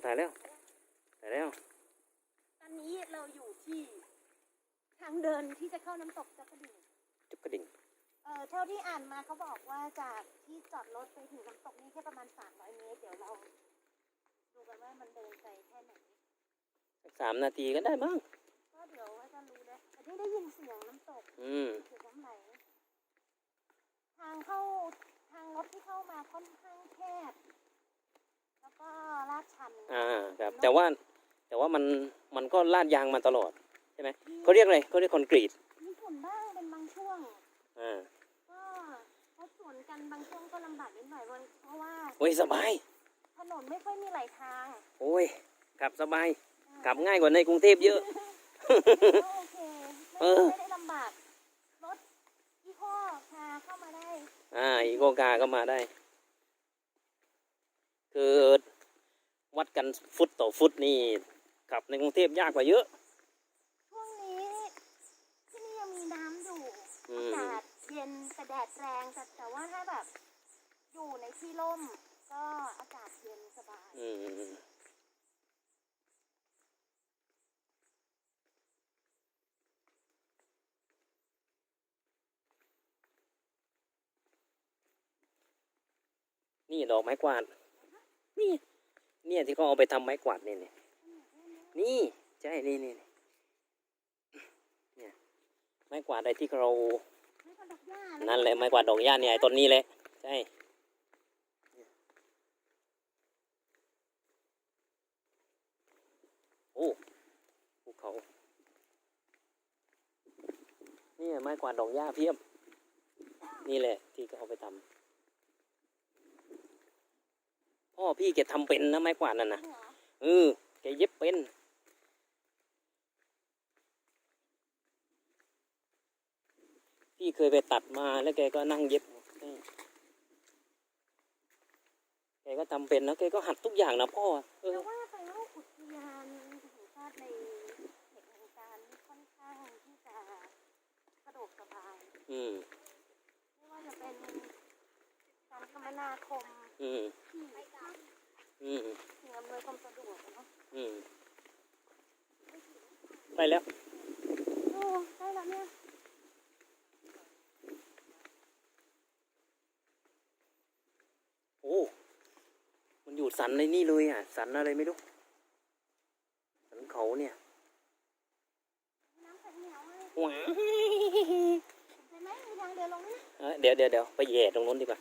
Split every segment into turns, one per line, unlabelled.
ถ่ายแล้ว
ตอนนี้เราอยู่ที่ทางเดินที่จะเข้าน้ำตกจักระดิ่งเท่าที่อ่านมาเขาบอกว่าจากที่จอดรถไปถึงน้ำตกนี่แค่ประมาณ300 เมตรเดี๋ยวเราดูกันว่ามันเดินไกลแค่ไหน
3 นาทีก็ได้บ้าง
ก็เดี๋ยวว่าจะรู้แล้วแต่ที่ได้ยินเสียงน้ำตกเสียงน้ำไหลทางรถที่เข้ามาค่อนข้างแคบแล้วก็ลาดชัน
ครับแต่ว่ามันก็ลาดยางมาตลอดใช่ไหมเขาเรียกอะไรเขาเรียกคอนกรีต
มีฝนบ้างเป็นบางช่วงก็รถสวนกันบางช่วงก็ลำบากนิดหน่อยเพราะว่า
โอ้ยสบาย
ถนนไม่ค่อยมีหลายทาง
โอ้ยขับสบายขับง่ายกว่าในกรุงเทพเยอะ
โอเคไม่ได้ลำบากรถอีโคคาเข้ามาได้
อีโคคาก็มาได้คือวัดกันฟุตต่อฟุตนี่ขับในกรุงเทพยากกว่าเยอะ
ช่วงนี้ที่นี่ยังมีน้ำอยู่อากาศเย็นแต่แดดแรงแต่ว่าถ้าแบบอยู่ในที่ร่มก็อากาศเย็นสบาย
นี่ดอกไม้กวาดเนี่ยที่เขาเอาไปทำไม้กวาดนี่ใช่นี่เนี่ยไม้กวาดอะไรที่เรานั่นแหละไม้กวาดดอกหญ้าเนี่ยต้นนี้แหละใช่โอ้ภูเขานี่ไม้กวาดดอกหญ้าเพียบนี่แหละที่เขาเอาไปทำพ่อพี่แกทำเป็นนะไม้กวาดนั่นนะแกเย็บเป็นพี่เคยไปตัดมาแล้วแกก็นั่งเย็บแกก็ทำเป็นนะแกก็หัดทุกอย่างนะพ่อ
แต่ว่าไปว่าอุทยานแห่งชาติในเขตแห่งการค่อนข้างที่จะสะดวกสบายไม่ว่าจะเป็นการคมนาคมที่สิ่งอำนวยความสะดวกเนาะ
ไปแล้ว
ได้แล้วเนี่ย
โอ้มันอยู่สันในนี่เลยสันอะไรไม่รู้สันเขาเนี่ย
น้ำใสเหนียวเลย
ว้า
เห็นไหมมีทางเดินลงนี่
เดี๋ยวไปแย่ตรงนู้นดีกว่า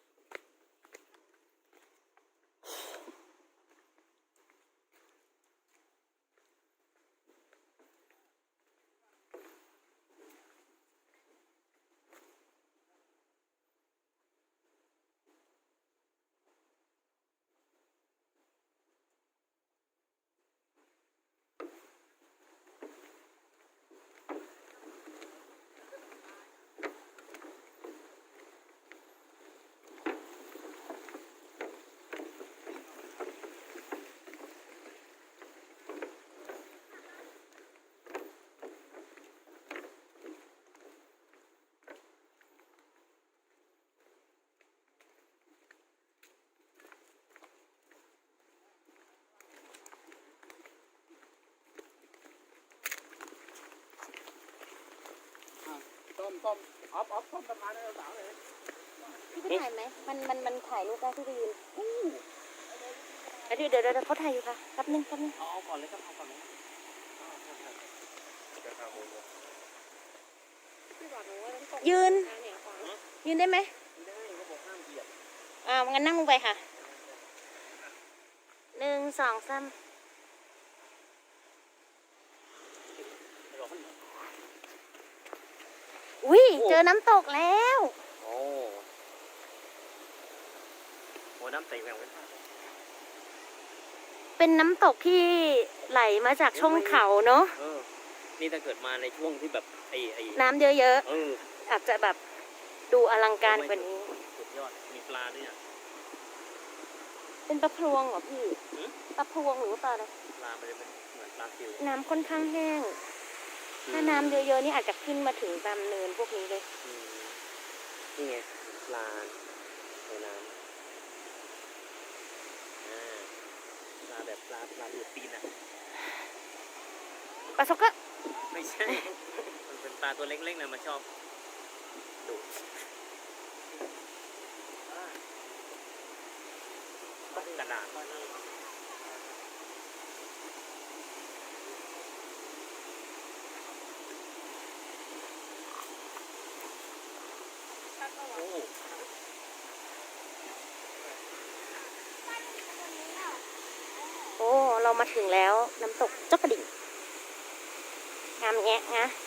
ต้มต้มสะพานให้เราสาวเลย
พี่ไปถ่ายไหมมันถ่ายรูปได้ที่ยืนเดี๋ยวเขาถ่ายอยู่ค่ะแป๊บนึง
เอาก่อนเลยครับเอาก่อนเลย
ยืนได้ไหม
ได้เขาบอกห้ามเหยียบ
งั้นนั่งลงไปค่ะ1 2 3อุ้ยเจอน้ำตกแล้ว
โอ้โหน้ำใสแหวว
เป็นน้ำตกที่ไหลมาจากช่องเขาเนาะ
นี่ถ้าเกิดมาในช่วงที่แบบ
น้ำเยอะๆอาจจะแบบดูอลังการกว่านี้
สุดยอดมีปลาด้วย
เป็นปลาพรวงเหรอพี่ปลาพรวงหรือว่าปลาอะไร
ปลามันจะเป็นเหมือนปลาซิว
น้ำค่อนข้างแห้งถ้าน้ำเยอะๆนี่อาจจะขึ้นมาถึงตามเนินพวกนี้เลย
นี่ไงปลาในน้ำปลาแบบปลาดูดตีนอ่ะ
ปลาซอกก็
ไม่ใช่ มันเป็นปลาตัวเล็กๆนะมันชอบดูดกระดาษ โอ้
โอ้ เรามาถึงแล้วน้ำตกจ๊อกกระดิ่งงามแงะนะ